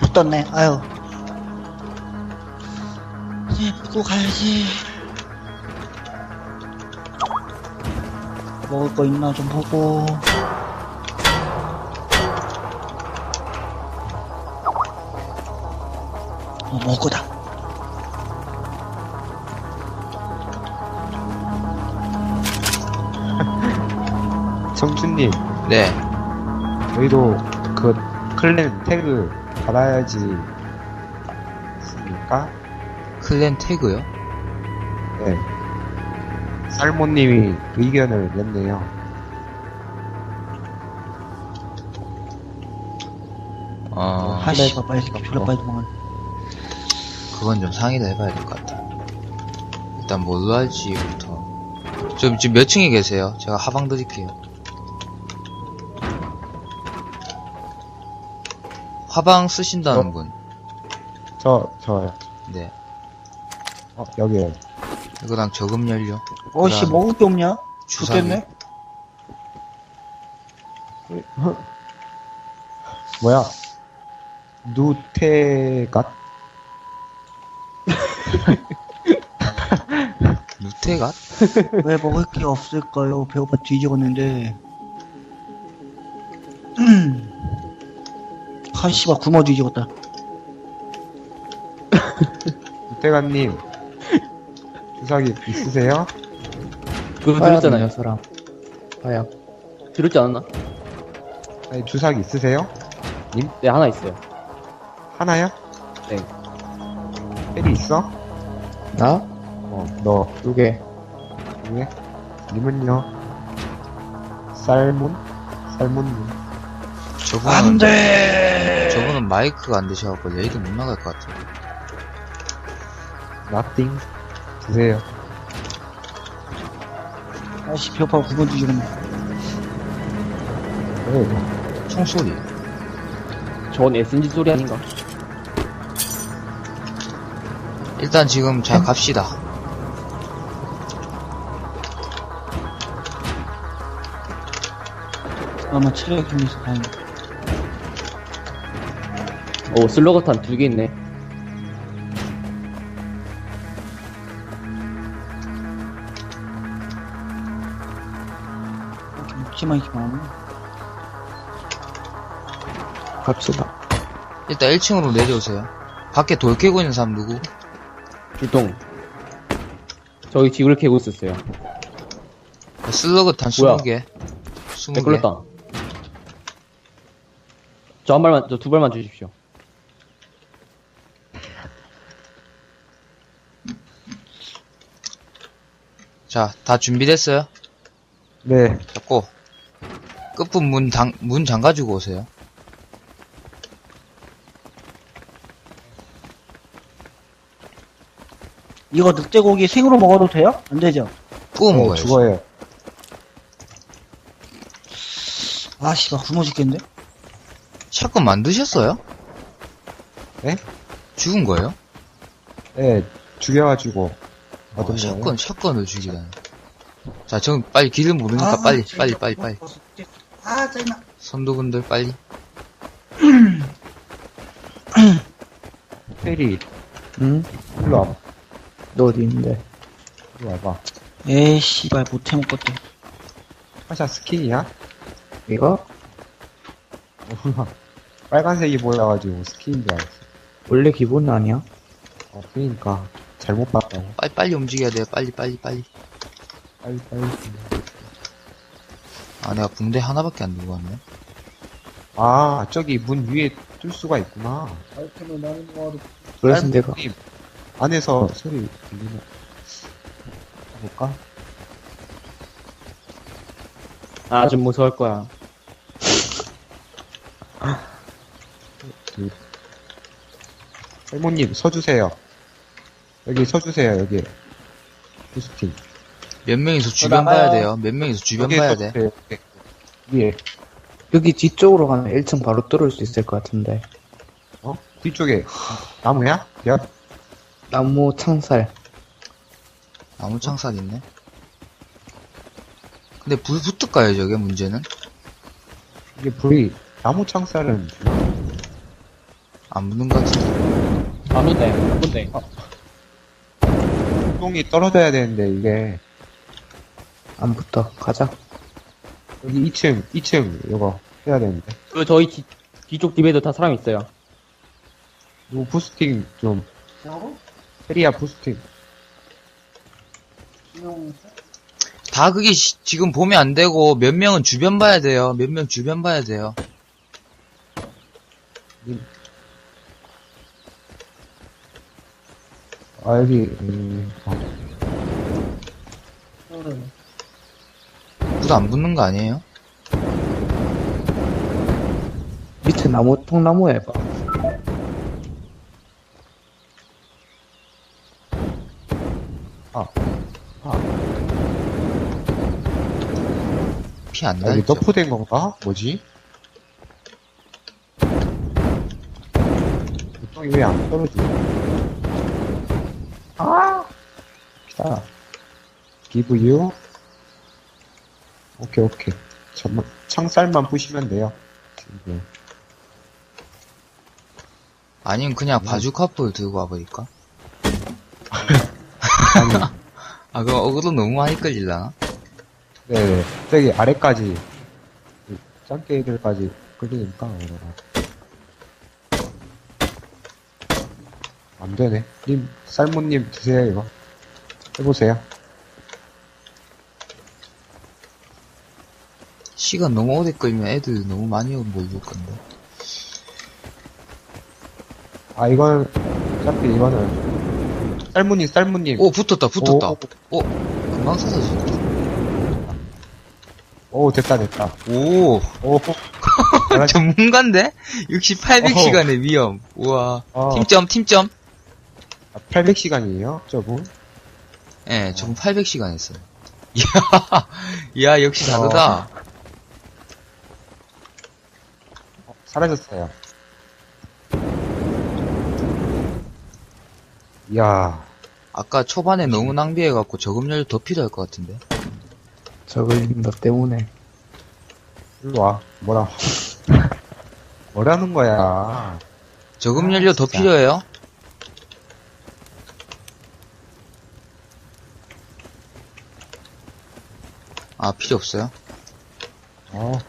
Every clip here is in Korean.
붙었네. 아유. 이제 붙고 가야지. 먹을 거 있나 좀 보고. 먹을 거다. 청춘님, 네. 저희도 그 클랜 태그 받아야지 습니까? 클랜 태그요? 네. 살모님이 의견을 냈네요. 하씨, 빨리 졸라 빨리 도망가. 그건 좀 상의를 해봐야 될 것 같아. 일단 뭘로 할지부터. 지금 몇 층에 계세요? 제가 하방 드릴게요. 화방 쓰신다는 분. 저요. 네. 여기에요. 이거랑 저금 연료. 어씨, 그다음 먹을 게 없냐? 주사기. 죽겠네? 뭐야? 누테갓? 누테가? 왜 먹을 게 없을까요? 배고파 뒤지겠는데. 하씨발, 굶어 뒤지겠다. 누테갓님, 주사기 있으세요? 그거 들었잖아요, 사람. 화약. 들었지 않았나? 아니, 주사기 있으세요? 네, 하나 있어요. 하나요? 네. 헬이 있어? 나? 너. 2개. 왜? 님은요? 살몬님. 저분은, 안 돼! 저분은 마이크가 안 되셔갖고 레이드 못 나갈 것 같아요. nothing. 드세요. 아씨, 배고파 굶어 뒤지겠네. 총소리. 저건 SNG 소리 아닌가? 일단 지금 자 갑시다. 아마 체력이 좀 있어, 다행이다. 오, 슬러거탄 2개 있네. 묵지만 있기만. 갑시다. 일단 1층으로 내려오세요. 밖에 돌 깨고 있는 사람 누구? 출동. 저기 집을 캐고 있었어요. 슬러그탄 뭐야? 20개. 네, 20개. 걸렸다. 저 한 발만, 저 2발만 주십시오. 자, 다 준비됐어요? 네. 잡고. 끝부 문 잠가주고 오세요. 이거 늑대고기 생으로 먹어도 돼요? 안 되죠? 구워 먹어야지. 죽어요. 아, 씨발, 굶어 죽겠는데? 샷건 만드셨어요? 네? 죽은 거예요? 네, 죽여가지고. 얻은 거예요. 샷건을 죽이다니. 자, 저 빨리 길을 모르니까 빨리. 아, 짜증나. 선두분들 빨리. 헬이, 응? 일로 와봐. 너 어디 있는데? 일로 와봐. 에이, 씨발, 못해 먹겠다. 화샤 스킨이야? 이거? 빨간색이 보여가지고 스킨인 줄 알았어. 원래 기본 아니야? 그니까. 잘못 봤다고. 빨리 움직여야 돼요. 빨리. 빨리. 아, 내가 붕대 하나밖에 안 들고 왔네. 아, 저기 문 위에 뚫 수가 있구나. 그래서 내가. 빨간색이 안에서 소리 들리나? 볼까? 아, 좀 무서울 거야. 할모님, 서주세요. 여기 서주세요, 여기. 포스팅. 몇 명이서 주변 봐야 돼요. 몇 명이서 주변 여기 봐야 돼. 서주세요. 위에. 여기 뒤쪽으로 가면 1층 바로 뚫을 수 있을 것 같은데. 뒤쪽에. 나무야? 야, 나무 창살. 나무 창살 있네. 근데 불 붙을까요, 저게 문제는? 이게 불이, 나무 창살은, 안 붙는 것 같은데. 안 붙네, 안 붙네. 똥이 떨어져야 되는데, 이게. 안 붙어. 가자. 여기 2층, 이거 해야 되는데. 그, 저희 뒤쪽 집에도 다 사람 있어요. 이거 부스팅 좀. 페리아 부스팅. 다 그게 지금 보면 안 되고, 몇 명은 주변 봐야 돼요. 몇 명 주변 봐야 돼요. 아, 여기, 불 안 붙는 거 아니에요? 밑에 나무, 통나무 해봐. 피 안 여기 날죠? 너프된 건가? 뭐지? 똥이 왜 안 떨어지지? 자, give you. 오케이. 잠만, 창살만 부시면 돼요. 지금. 아니면 그냥 바주카포를 들고 와버릴까? 아니, 아, 그럼 어그로 너무 많이 끌릴라나? 네, 저기 아래까지, 짱깨들까지 끌리니까, 그러나. 안 되네. 쌀무님 드세요, 이거. 해보세요. 시간 너무 오래 끌면 애들 너무 많이 몰릴 건데. 아, 어차피 이거는, 쌀무님. 오, 붙었다. 오. 금방 사라졌다. 오, 됐다. 오, 오, 전문가인데? 6800시간의 위험. 우와. 어. 팀점. 800시간이에요, 저분? 예, 전 800시간 했어요. 이야, 역시 다르다. 사라졌어요. 이야, 아까 초반에 너무 낭비해갖고 저금열 더 필요할 것 같은데. 저걸 너 때문에. 일로 와. 뭐라는 거야. 저금연료 더 진짜. 필요해요? 아, 필요 없어요? 어,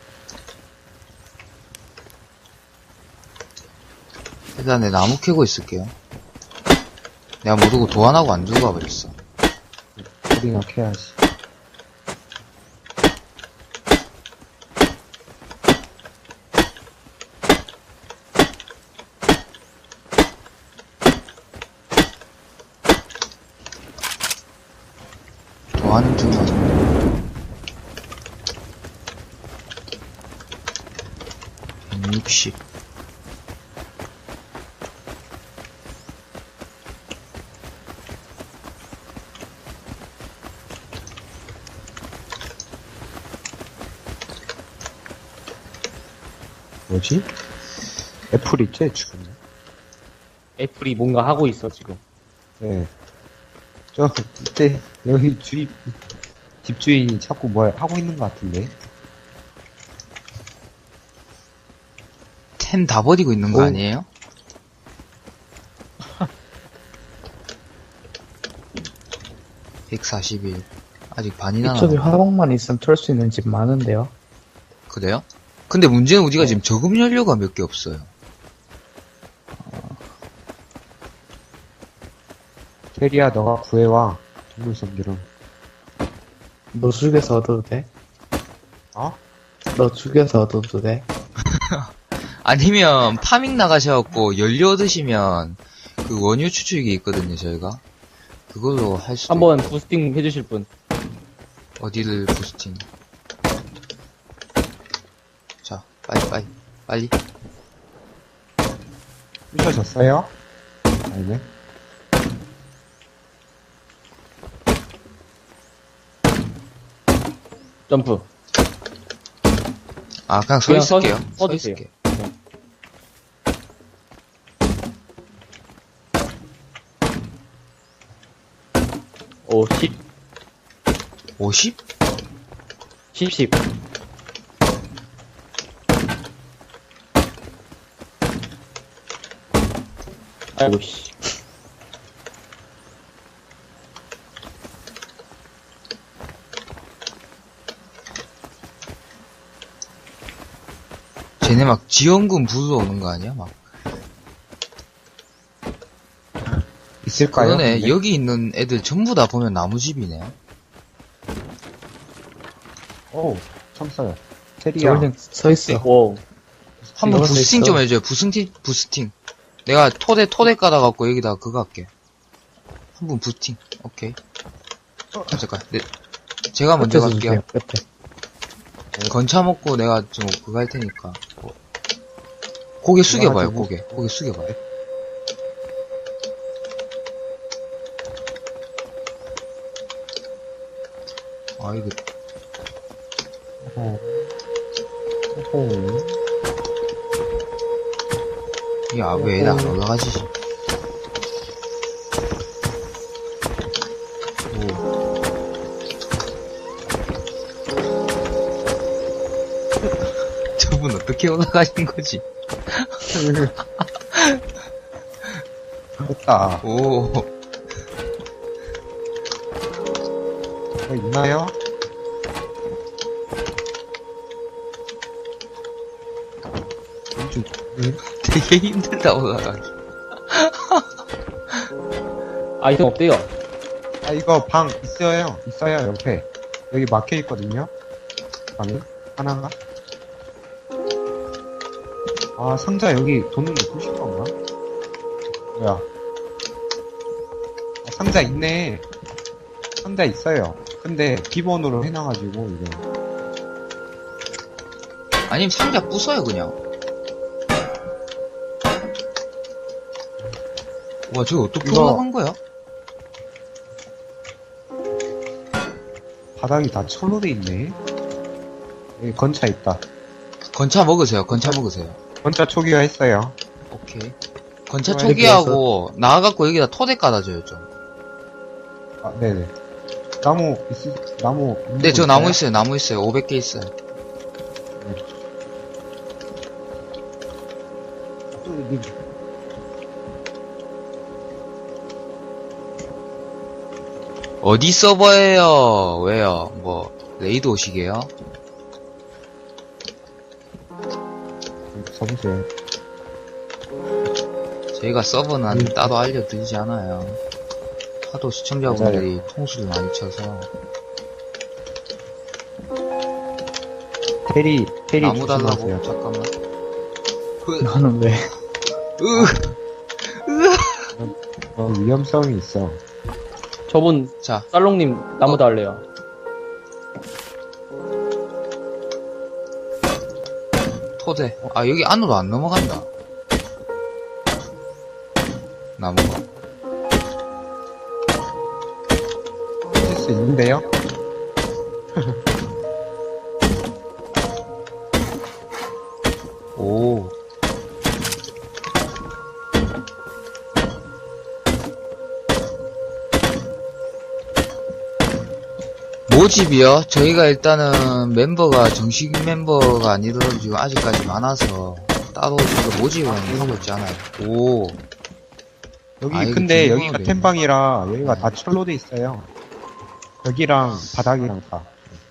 일단 내 나무 캐고 있을게요. 내가 모르고 도안하고 안 들고 와버렸어. 우리가 캐야지. 도안은 좀 맞아. 160. 뭐지? 애플 있지, 지금? 애플이 뭔가 하고 있어, 지금. 네. 이때, 여기 집주인이 자꾸 뭘 하고 있는 것 같은데? 템 다 버리고 있는 거 오. 아니에요? (141) 아직 반이나 이쪽에 남았네. 화방만 있으면 털 수 있는 집 많은데요. 그래요? 근데 문제는 우리가 지금 저금 연료가 몇 개 없어요. 테리야, 너가 구해와. 동물성기름. 너 죽여서 얻어도 돼? 어? 너 죽여서 얻어도 돼? 아니면 파밍 나가셔갖고 연료 얻으시면 그 원유 추출기 있거든요, 저희가. 그걸로 할 수도 한번 부스팅 해주실 분. 있고. 어디를 부스팅. 자, 빨리. 부셔졌어요? 아니네. 점프. 아, 그냥 서 그냥 있을게요. 서 서 주세요. 있을게요. 10. 50? 10. 아이고, 씨. 쟤네 막 지원금 부서 오는 거 아니야? 막. 있을까요? 그러네. 근데? 여기 있는 애들 전부 다 보면 나무집이네. 오, 참 써요. 테리야. 저번에 서 있어. 오. 한번 이거 부스팅 있어. 좀 해줘요. 부스팅. 내가 토대 까다갖고 여기다 그거 할게. 한 분 부스팅. 오케이. 잠깐. 제가 먼저 끝에서 갈게요. 주세요, 끝에. 건차 먹고 내가 좀 그거 할 테니까. 고개 숙여봐요, 그래가지고. 고개 숙여봐요. 아, 이거, 오호. 야, 왜 애들 안 올라가지? 오. 저분 어떻게 올라가신 거지? 됐다. 오. 뭐 있나요? 왼쪽, 되게 힘들다 올라가기. 아이템 없대요. 아, 이거 방 있어요. 옆에. 여기 막혀 있거든요. 방이. 하나가. 아, 상자 여기 도는 게 부실 건가? 뭐야. 아, 상자 있네. 상자 있어요. 근데 기본으로 해놔가지고, 이게. 아니면 상자 부숴요, 그냥. 와, 저거 어떻게 이거- 올라간 거야? 바닥이 다 철로 돼 있네. 여기 건차 있다. 건차 먹으세요, 건차 먹으세요. 건차 초기화 했어요. 오케이. 건차 이렇게 초기하고, 나와갖고 여기다 토대 깔아줘요, 좀. 아, 네네. 나무, 나무. 있는 네, 거 저 나무 있어요, 나무 있어요. 500개 있어요. 어디 서버예요? 왜요? 뭐, 레이드 오시게요? 써보세요. 저희가 서버는 따로 알려드리지 않아요. 하도 시청자분들이 통수를 많이 쳐서. 테리 나무 달라고? 조심하세요. 잠깐만. 너는 왜? 위험성이 있어. 저분, 자, 쌀롱님 나무 달래요. 토대. 아, 여기 안으로 안 넘어간다. 나무가. 하실 수 있는데요? 오. 모집이요? 저희가 일단은 멤버가 정식 멤버가 아니더라도 지금 아직까지 많아서 따로 지금 모집은 하고 있지 않아요. 오. 여기 아, 이거 근데 중요하게 여기가 있네. 템방이라 여기가 다 철로 돼 있어요. 벽이랑 바닥이랑 다.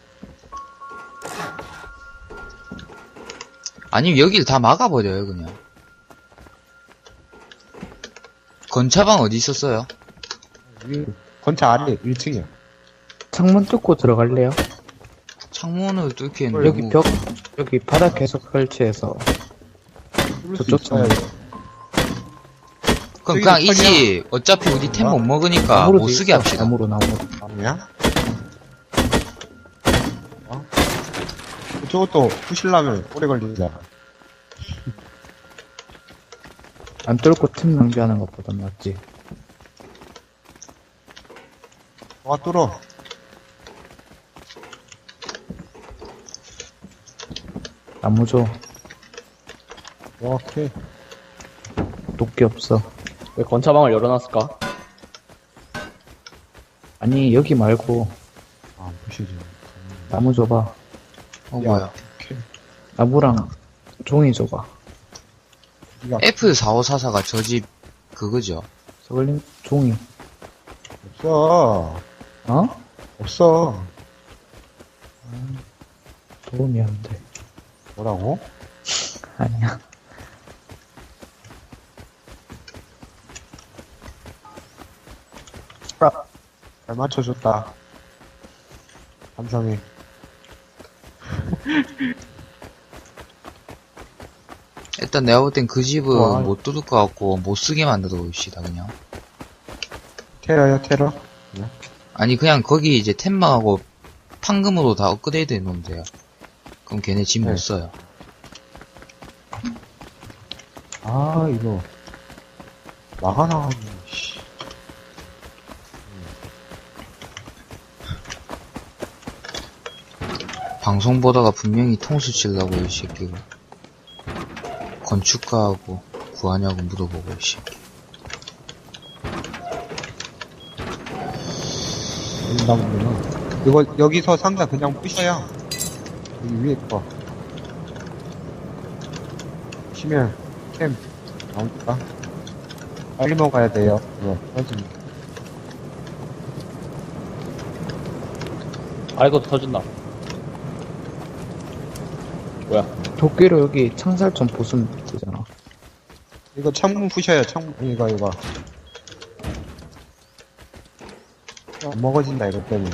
아니면 여길 다 막아버려요, 그냥. 건차방 어디 있었어요? 여기 건차 아래 1층이요. 창문 뚫고 들어갈래요? 창문을 뚫기엔 여기 너무... 벽, 여기 바닥 계속 설치해서. 저쪽 창문. 그럼 저기 그냥 털이야. 이지. 어차피 우리 템 못 먹으니까 나무로 못 돼 쓰게 있어. 합시다. 나무로. 아니야? 저것도 부실라면 오래 걸리잖아. 안 뚫고 틈 낭비하는 것보단 낫지. 와, 뚫어. 나무 줘. 와, 오케이. 도끼 없어. 왜 건차방을 열어놨을까? 아니, 여기 말고, 아, 부시지. 나무 줘봐. 뭐야. 나무랑 종이 줘봐. 이거 F4544가 저 집 그거죠. 저걸림 종이. 없어. 어? 없어. 도움이 안 돼. 뭐라고? 아니야. 잘 맞춰줬다. 감성이. 일단 내가 볼 땐 그 집은 와. 못 뚫을 것 같고 못 쓰게 만들어 봅시다 그냥. 테러요, 테러? 아니 그냥 거기 이제 템망하고 판금으로 다 업그레이드 해놓으면 돼요. 그럼 걔네 집 못 네. 써요. 아, 이거. 막아나가네, 씨. 방송 보다가 분명히 통수 치려고 이 새끼가. 건축가하고 구하냐고 물어보고 이 새끼. 나무구나. 이거, 여기서 상자 그냥 부셔요. 여기 위에 거. 부시면, 템, 나오니까. 빨리 먹어야 돼요. 이거, 터집니다. 아, 이것도 터진다. 뭐야? 도끼로 여기 창살 좀 보수면 되잖아. 이거 창문 부셔요, 창문, 이거. 안 먹어진다, 이거 때문에.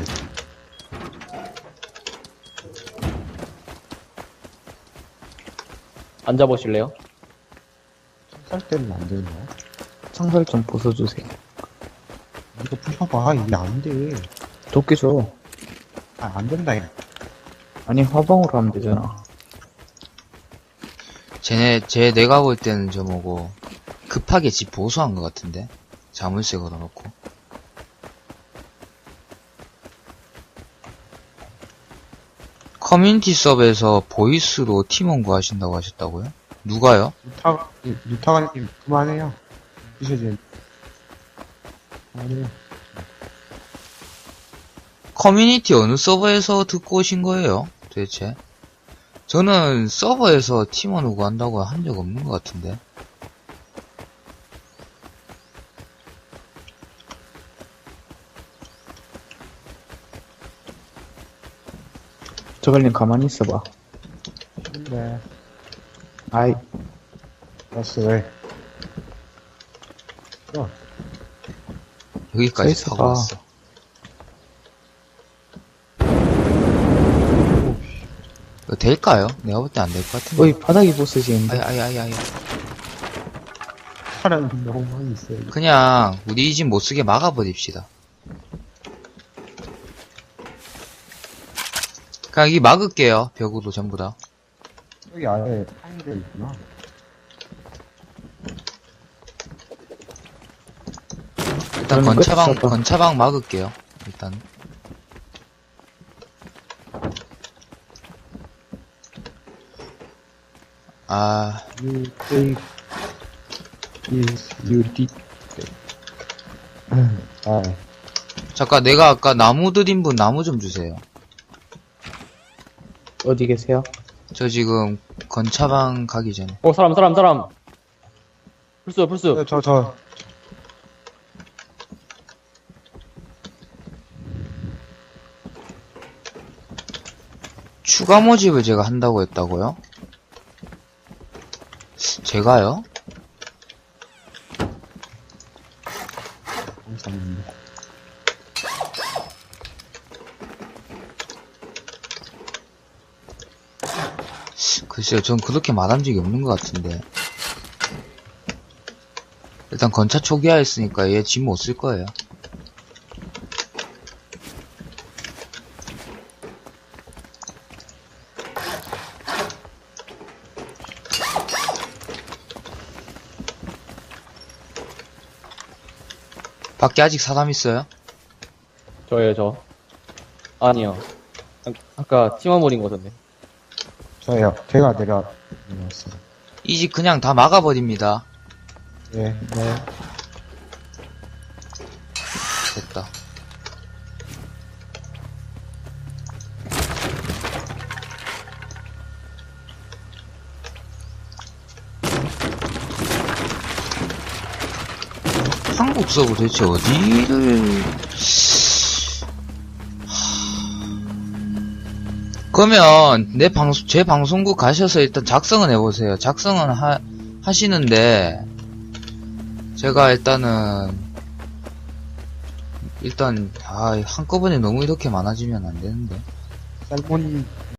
앉아보실래요? 살 때는 안 되나? 창살 좀 보수주세요. 이거 부셔봐, 이게 안 돼. 도끼 줘. 아, 안 된다, 이거. 아니, 화방으로 하면 되잖아. 내가 볼 때는 저 뭐고, 급하게 집 보수한 것 같은데? 자물쇠 걸어놓고. 커뮤니티 서버에서 보이스로 팀원 구하신다고 하셨다고요? 누가요? 유타가님, 그만해요. 부셔지. 그만해요. 커뮤니티 어느 서버에서 듣고 오신 거예요? 도대체? 저는 서버에서 팀원을 구한다고 한 적 없는 것 같은데. 저걸림 가만히 있어봐. 근데, 아이, 알았어, 왜? 여기까지 서 타고 있어봐. 왔어. 이거 될까요? 내가 볼 때 안 될 것 같은데. 어이, 바닥이 보스지인데. 아이. 사람이 너무 많이 있어요. 그냥 우리 이 집 못 쓰게 막아버립시다. 그냥 여기 막을게요. 벽으로 전부 다. 여기 아래 파인데 있구나. 일단 그러면 끝이다. 건차방 막을게요. 일단. 아, You take is you did. 아, 잠깐 내가 아까 나무 드린 분 나무 좀 주세요. 어디 계세요? 저 지금 건차방 가기 전에. 사람. 불수. 저. 추가 모집을 제가 한다고 했다고요? 제가요? 감사합니다. 글쎄요, 전 그렇게 말한 적이 없는 것 같은데. 일단 건차 초기화 했으니까 얘 집 못 쓸 거예요. 밖에 아직 사람 있어요? 저예요, 저. 아니요. 아까 팀원 모린 거던데. 저요. 제가 내려왔어요. 이 집 그냥 다 막아버립니다. 네. 됐다. 한국 서버 도대체 어디를 그러면 제 방송국 가셔서 일단 작성은 해보세요. 작성은 하시는데 제가 일단 한꺼번에 너무 이렇게 많아지면 안 되는데. 쌀몬